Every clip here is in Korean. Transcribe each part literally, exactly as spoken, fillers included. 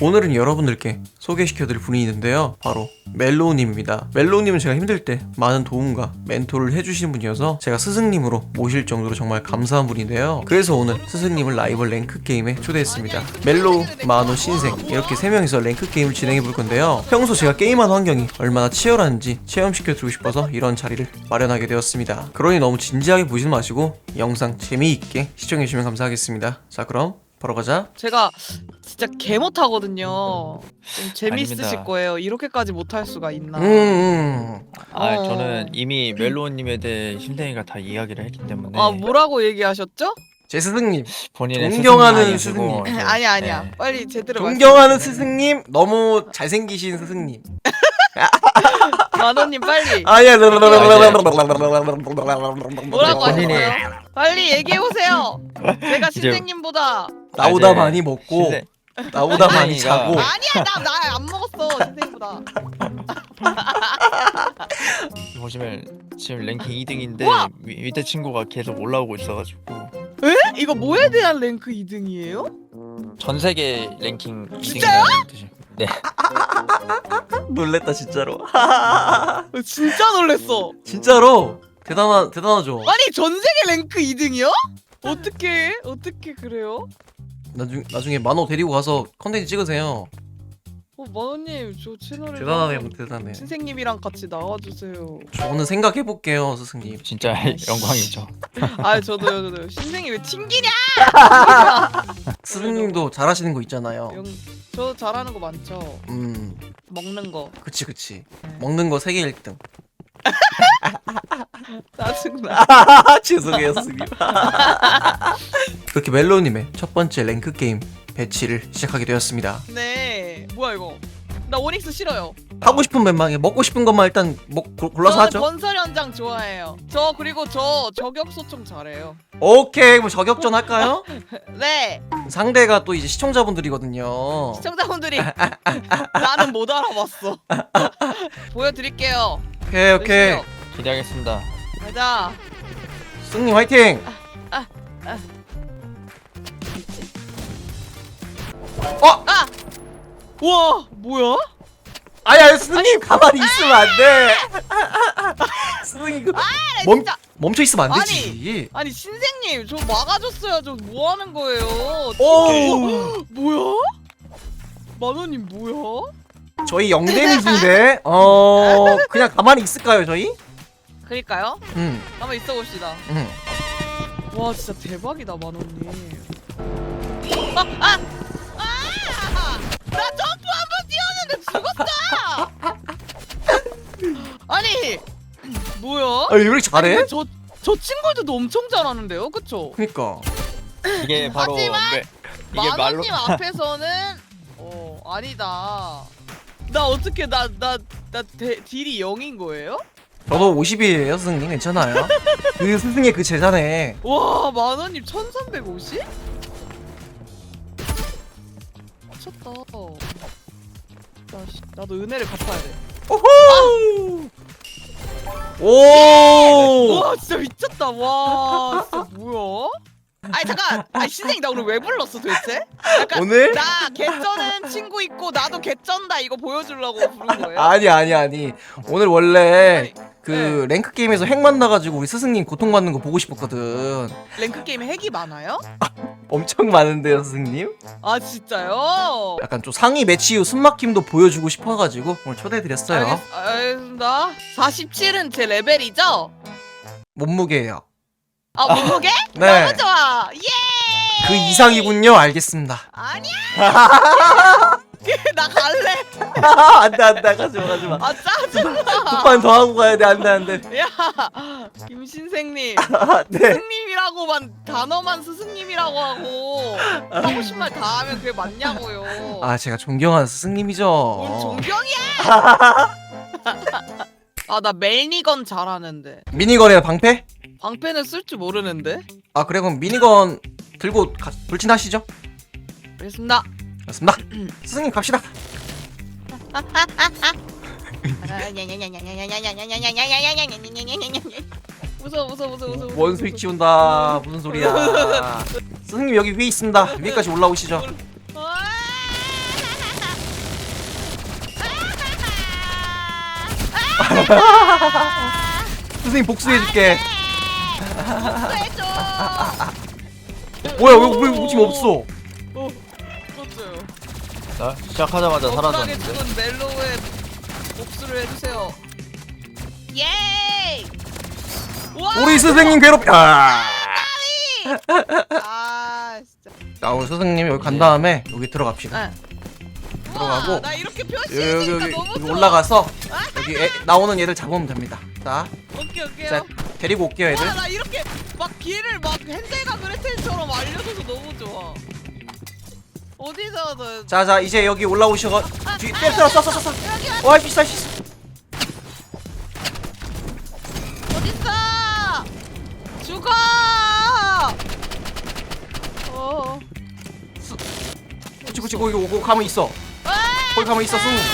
오늘은 여러분들께 소개시켜드릴 분이 있는데요, 바로 멜로우님입니다. 멜로우님은 제가 힘들 때 많은 도움과 멘토를 해주신 분이어서 제가 스승님으로 모실 정도로 정말 감사한 분인데요. 그래서 오늘 스승님을 라이벌 랭크 게임에 초대했습니다. 멜로우, 마노, 신생 이렇게 세 명이서 랭크 게임을 진행해 볼 건데요. 평소 제가 게임하는 환경이 얼마나 치열한지 체험시켜드리고 싶어서 이런 자리를 마련하게 되었습니다. 그러니 너무 진지하게 보지 마시고 영상 재미있게 시청해주시면 감사하겠습니다. 자, 그럼 바로 가자. 제가 진짜 개 못하거든요. 좀 재밌으실 아닙니다. 거예요. 이렇게까지 못할 수가 있나. 음, 음. 아, 어. 저는 이미 멜로우님에 대해 신생이가 다 이야기를 했기 때문에 아, 뭐라고 얘기하셨죠? 제 스승님, 본인의 존경하는 스승님이 아니시고 스승님. 이제, 아니 아니야. 네. 빨리 제대로 존경하는 말씀해주세요. 스승님, 너무 잘생기신 스승님. 만호님 빨리 아야. 뭐라고 본인이- 하셨어요? 빨리 얘기해 보세요. 제가 이제- 신생님보다 나보다 이제 많이 먹고 신생- 나보다 많이 신생이가- 자고. 아니야 나 나 안 먹었어 신생보다. 보시면 지금 랭킹 이 등인데 우와! 위, 밑에 친구가 계속 올라오고 있어가지고 에? 이거 뭐에 대한 랭크 이 등이에요? 전 세계 랭킹 진짜요? 이 등이라는 뜻이. 네. 놀랬다 진짜로. 진짜 놀랬어. 진짜로 대단하 대단하죠. 아니 전 세계 랭크 이 등이요? 어떻게 어떻게 그래요? 나중 나중에 만호 데리고 가서 컨텐츠 찍으세요. 어 만호님 저 채널에 대단하네요, 대단해. 신생님이랑 같이 나와주세요. 저는 생각해 볼게요, 스승님. 진짜 영광이죠. 아 저도요 저도요. 신생이 왜 튕기냐? 스승님도 잘하시는 거 있잖아요. 영... 저 잘하는 거 많죠. 음, 먹는 거. 그치 그치. 먹는 거 세계 일 등. 짜증나. 죄송해요, 스승님. 그렇게 멜로우님의 첫 번째 랭크 게임 배치를 시작하게 되었습니다. 네. 뭐야 이거? 나 오닉스 싫어요. 하고 싶은 멤방에 먹고 싶은 것만 일단 먹 고- 골라서 저는 하죠. 건설 현장 좋아해요. 저 그리고 저 저격 소총 잘해요. 오케이, 뭐 저격전 할까요? 네. 상대가 또 이제 시청자분들이거든요. 시청자분들이 나는 못 알아봤어. 보여드릴게요. 오케이 오케이. 열심히요. 기대하겠습니다. 가자. 스승님 화이팅. 아, 아. 어? 아! 우와 뭐야? 아야, 스승님 가만히 있으면 안 돼. 스승님 그 멈 진짜. 멈춰 있으면 안 아니. 되지. 아니 신생님 저 막아줬어야죠. 뭐 하는 거예요? 오, 뭐야? 만원님 뭐야? 저희 영 데미지인데 어 그냥 가만히 있을까요 저희? 그니까요. 음, 한번 있어 봅시다. 음. 와 진짜 대박이다 만원님. 아! 아! 아! 나 점프 한 번 뛰었는데 죽었다! 아니 뭐야? 아, 왜 이렇게 잘해? 저, 저 친구들도 엄청 잘하는데요? 그쵸? 그니까. 이게 바로 하지만 멜- 이게 말로 만원님 앞에서는 어 아니다. 나 어떻게 나 나 나 딜이 영인 거예요? 저도 오십이에요, 스승님. 괜찮아요. 그 스승의 그 제자네. 와 만원님 천삼백오십? 미쳤다. 나, 씨, 나도 은혜를 갚아야 돼. 오호! 오! 와 진짜 미쳤다. 와 진짜 뭐야? 아니 잠깐. 아니 신생이 나 오늘 왜 불렀어 도대체? 약간 오늘? 나 개쩌는 친구 있고 나도 개쩐다 이거 보여주려고 부른 거예요? 아니 아니 아니. 오늘 원래 아니, 그 네. 랭크 게임에서 핵 만나가지고 우리 스승님 고통받는 거 보고 싶었거든. 랭크 게임에 핵이 많아요? 엄청 많은데요, 스승님? 아 진짜요? 약간 좀 상위 매치 후 숨막힘도 보여주고 싶어가지고 오늘 초대해드렸어요. 알겠, 알겠습니다. 사십칠은 제 레벨이죠? 몸무게예요. 아 몸무게? 네. 너무 좋아. 예. 그 이상이군요. 알겠습니다. 아니야. 나 갈래. 안돼 안돼, 가지마 가지마. 아 짜증나. 두 판 더 하고 가야 돼. 안돼 안돼. 야 김신생님. 네. 스승님이라고만 단어만 스승님이라고 하고 하고 싶은 말 다 하면 그게 맞냐고요. 아, 제가 존경하는 스승님이죠. 뭔 존경이야? 아 나 멜니건 잘하는데 미니건이나 방패? 방패는 쓸 줄 모르는데. 아, 그래, 그럼 미니건 들고 가, 돌진하시죠. 알겠습니다. 맞습니다. 스승님 갑시다. 웃어 웃어 웃어 웃어. 뭔 스위치 온다. 무슨 소리야. 스승님 여기 위에 있습니다. 위에까지 올라오시죠. 선생님 복수해줄게. 복수해줘. 뭐야 왜, 왜 지금 없어? 어, 죽었어요. 나 시작하자마자 억울하게 사라졌는데. 죽은 멜로우의 복수를 해주세요. 예이! 와! 우리 스승님 괴롭. 아. 아 진짜. 자 우리 스승님 여기 간 다음에 여기 들어갑시다. 네. 들어가고. 와, 나 이렇게 여기 표시해주니까 여기, 너무 여기 좋아. 올라가서 여기 애, 나오는 얘들 잡으면 됩니다. 자, 오케이 오케이. 자 데리고 올게요 애들. 와, 나 이렇게 막 길을 막 헨젤과 그레텔처럼 알려줘서 너무 좋아. 어디서 너 자자 이제 여기 올라오셔. 뒤 때려 쏴 쏴 쏴 쏴. 여기 왔 와 비싸 비싸. 어딨어? 죽어! 어. 그치 그치 거기 오고 가면 있어. 와! 거기 가면 있어 승우.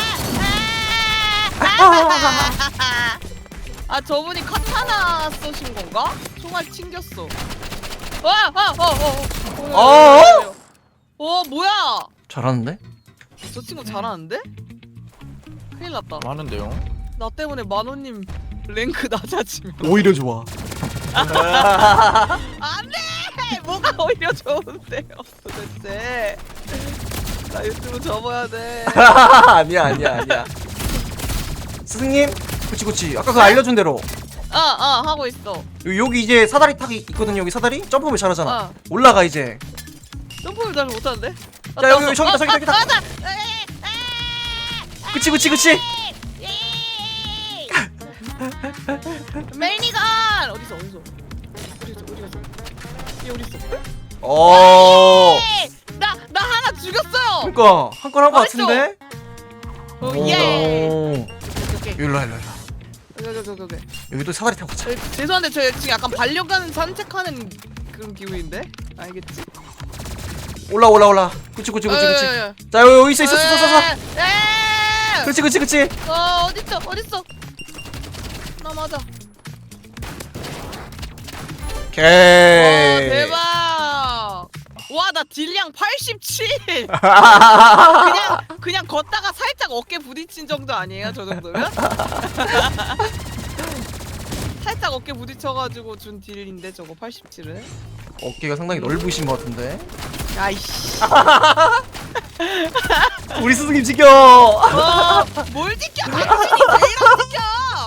아 저분이 카타나 쏘신 건가? 총알 튕겼어. 와! 와! 어! 어! 어! 어 뭐야? 잘하는데? 저 친구 잘하는데? 큰일 났다. 하는데요. 나 때문에 만호님 랭크 낮아지면 오히려 좋아. 안돼! 뭐가 오히려 좋은데요 도대체. 나 유튜브 접어야 돼. 아니야 아니야 아니야. 스승님. 그치 그치 아까 그 알려준 대로 어, 어, 하고 있어. 요- 여기 이제 사다리 타기 있거든요. 여기 사다리 점프를 잘하잖아. 어. 올라가 이제. 점프를 잘 못하는데? 자 여기 여기 저기다 저기다 저기다. 맞아! 그치 그치 그치. 매니건! 어딨어, 어딨어? 어디 있어, 어디 갔어? 얘 어디 있어? 어. 나, 나 하나 죽였어요! 그러니까 한 건 한 거 어딨어? 같은데. 어, 예! 오. 오케이, 오케이. 일로 와 일로 와. 오케이, 오케이, 오케이, 오케이. 여기도 사다리 타고 가자. 저, 죄송한데 저 지금 약간 반려견 산책하는 그런 기분인데? 알겠지? 올라 올라 올라. 그치 그치 그치 그치. 어, 자 여기 여기 있어 있어 있어 있어. 있어. 에! 그치 그치 그치. 어, 어딨어, 어딨어? 나 맞아. 오케이. 와, 대박! 와, 나 딜량 팔십칠! 그냥, 그냥 걷다가 살짝 어깨 부딪힌 정도 아니에요? 저 정도면? 살짝 어깨 부딪혀가지고 준 딜인데, 저거 팔십칠은? 어깨가 상당히 넓으신 것 같은데. 아이씨. 우리 스승님 지켜. 어, 뭘 지켜? 당신이 제일 안 지켜!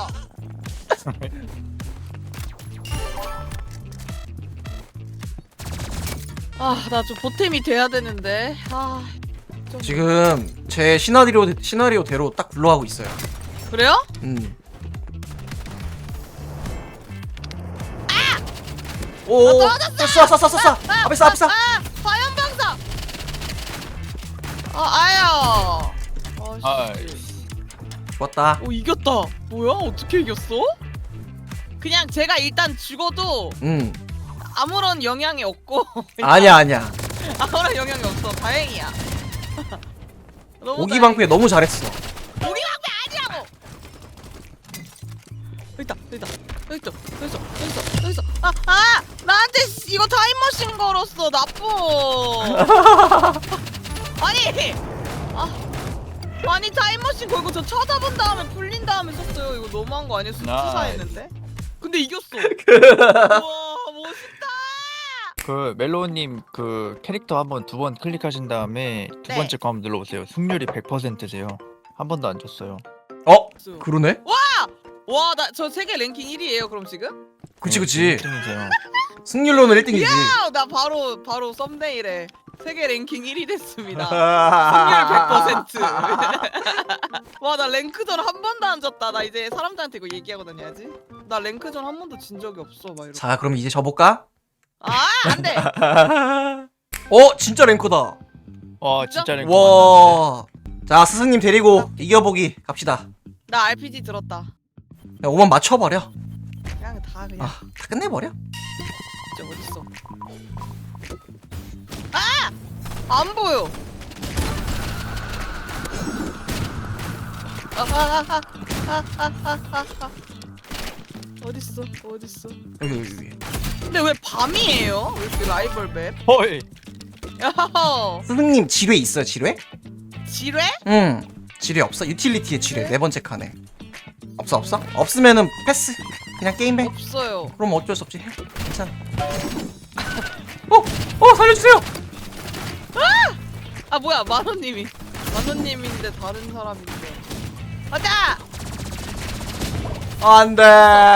아, 나 좀 보탬이 돼야 되는데. 아, 좀... 지금 제 시나리오 시나리오대로 딱 굴러가고 있어요. 그래요? 음. 오. 아, 떨어졌어! 쏴 쏴 쏴 쏴 쏴. 앞에 쏴 앞에 쏴. 아, 화염방사! 아, 아야. 아, 씨. 아이씨. 좋았다. 오, 이겼다. 뭐야? 어떻게 이겼어? 그냥 제가 일단 죽어도 음. 아무런 영향이 없고 아니야 아니야. 아무런 영향이 없어. 다행이야. 너무 오기 방패 다행이야. 너무 잘했어. 오기 방패 아니라고. 여기 있다. 여기 있다. 여기 있어. 여기 있어. 여기 있어. 여기 있어. 아, 아! 나한테 이거 타임머신 걸었어. 나쁜. 아니. 아. 아니 타임머신 걸고 저 쳐다본 다음에 풀린 다음에 썼어요. 이거 너무한 거 아니야? 수치사했는데. 근데 이겼어. 우와 멋있다. 그 멜로우님 그 캐릭터 한번 두 번 클릭하신 다음에 두 네. 번째 거 한번 눌러보세요. 승률이 백 퍼센트세요. 한 번도 안 줬어요. 어? 그러네? 와 나 저 세계 랭킹 일 위예요 그럼 지금? 그치 그치. 승이세요. 승률로는 일 등이지. 야, 나 바로 바로 썸네일에 세계 랭킹 일 위 됐습니다. 승률 백 퍼센트. 와 나 랭크전 한 번도 안 졌다. 나 이제 사람들한테 이거 얘기하고 다녀야지. 나 랭크전 한 번도 진 적이 없어 막 이러고. 자 그럼 이제 져볼까? 아 안돼. 어 진짜 랭커다. 와 진짜 랭크 만났네. 와. 자 스승님 데리고 이겨보기 갑시다. 나 알피지 들었다. 야 오만 맞춰버려. 그냥 다 그냥. 아 다 끝내버려. 진짜 어딨어? 아! 안 보여. 아하하하하하하하. 어딨어? 어딨어? 여기 여기 여기. 근데 왜 밤이에요? 왜 이렇게 라이벌 맵? 헐. 야호! 스승님 지뢰 있어요 지뢰? 지뢰? 응 지뢰 없어? 유틸리티의 지뢰 네 번째 칸에. 없어 없어? 없으면은 패스. 그냥 게임해. 없어요. 그럼 어쩔 수 없지. 해. 괜찮아. 어! 어 살려주세요. 아 뭐야 만호님이 만호님인데 다른 사람인데. 가자. 안돼.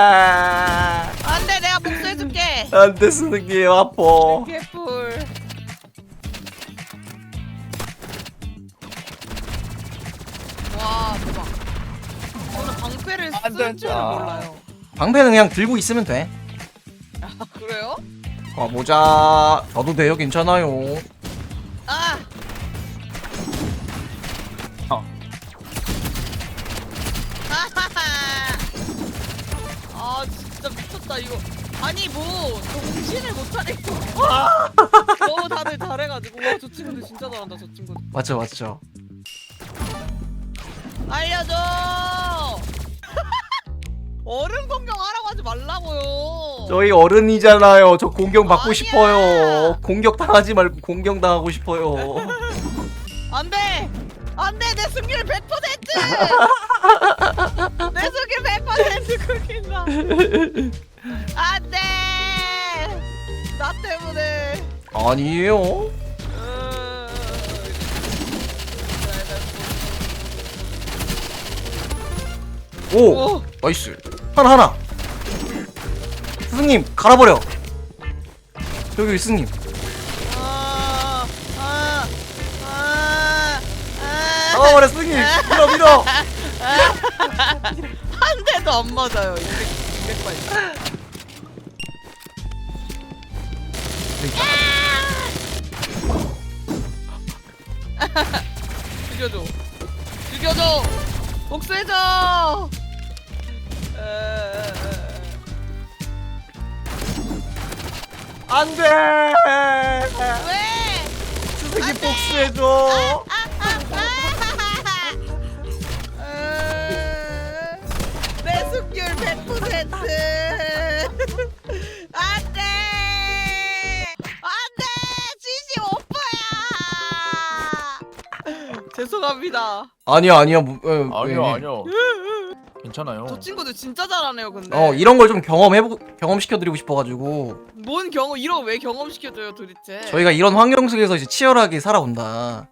안돼 내가 복수해줄게. 안돼 스승님 아파. 개뿔. 와 대박. 저는 방패를 안 쓸 줄은 된다. 몰라요. 방패는 그냥 들고 있으면 돼. 아 그래요? 가보자. 저도 돼요. 괜찮아요. 아. 어. 아하하. 아 진짜 미쳤다 이거. 아니 뭐 정신을 못 차리고. 너무 다들 잘해가지고 와 저 친구들 진짜 잘한다 저 친구들. 맞죠 맞죠. 알려줘. 어른 공격하라고 하지 말라고요. 저희 어른이잖아요. 저 공격 받고 아니야. 싶어요. 공격 당하지 말고 공격 당하고 싶어요. 안돼 안돼 내 승률 백 퍼센트. 내 승률 백 퍼센트 긁힌다. 안돼 나 때문에. 아니에요. 오, 오. 나이스. 하나 하나. 스승님 갈아버려. 여기 여기 스승님. 아, 아, 아, 아. 잡아버려 스승님. 밀어 밀어. 한 대도 안 맞아요. 이백, 이백 발. 죽여줘. 죽여줘. 복수해줘. 에, 에, 에. 안돼. 왜? 스승님 복수해줘. 에, 내 승률 백 퍼센트. 안돼. 안돼. 칠십오 퍼야. 죄송합니다. 아니야 아니야. 뭐, 에, 아니요 에. 아니요. 괜찮아요. 저 친구들 진짜 잘하네요. 근데. 어 이런 걸 좀 경험해보 경험시켜드리고 싶어가지고 뭔 경험 이런 거 왜 경험시켜줘요 도대체? 저희가 이런 환경 속에서 이제 치열하게 살아온다.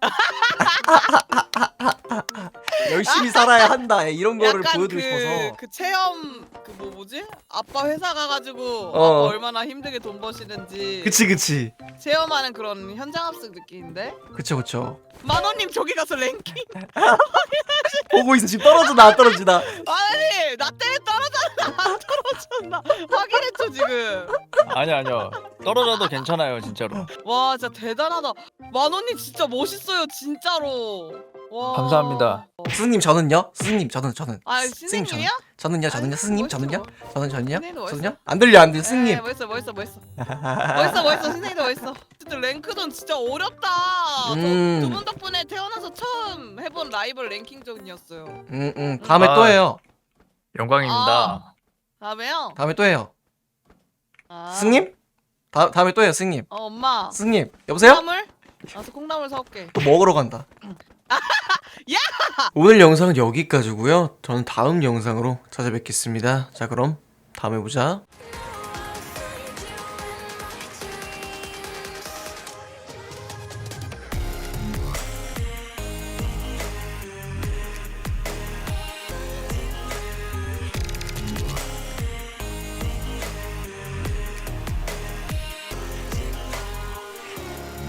열심히 살아야 한다. 이런 거를 약간 보여드리고 그, 싶어서. 그 체험 그 뭐 뭐지? 아빠 회사 가가지고 어. 아빠 얼마나 힘들게 돈 버시는지 그치 그치. 체험하는 그런 현장 합숙 느낌인데? 그쵸 그쵸. 만호님 저기 가서 랭킹. 보고 있어. 지금 떨어지나 안 떨어지나. 아니 나 때문에 떨어졌나 안 떨어졌나 확인했죠 지금. 아니 아니요. 떨어져도 괜찮아요 진짜로. 와 진짜 대단하다. 만호님 진짜 멋있어요 진짜로. 와. 감사합니다. 스승님 저는요? 스승님 저는 저는. 아 스승님 저는. 신생님이야? 저는요 저는요 아니, 스승님 멋있어, 저는요? 멋- 저는 저는요? 선생님도 멋있어. 저는요? 안 들려 안 들려 에, 스승님. 멋있어 멋있어 멋있어. 멋있어 멋있어 선생님도 멋있어. 진짜 랭크전 진짜 어렵다. 음. 두 분 덕분에 태어나서 처음 해본 라이벌 랭킹전이었어요. 응응 음, 다음에 아. 또 해요. 영광입니다. 다음에요? 다음에 또 해요. 아. 스승님? 다 다음에 또 해요 스승님. 어 엄마. 스승님 여보세요? 콩나물? 나서 콩나물 사올게. 또 먹으러 간다. 야! 오늘 영상은 여기까지고요. 저는 다음 영상으로 찾아뵙겠습니다. 자 그럼 다음에 보자.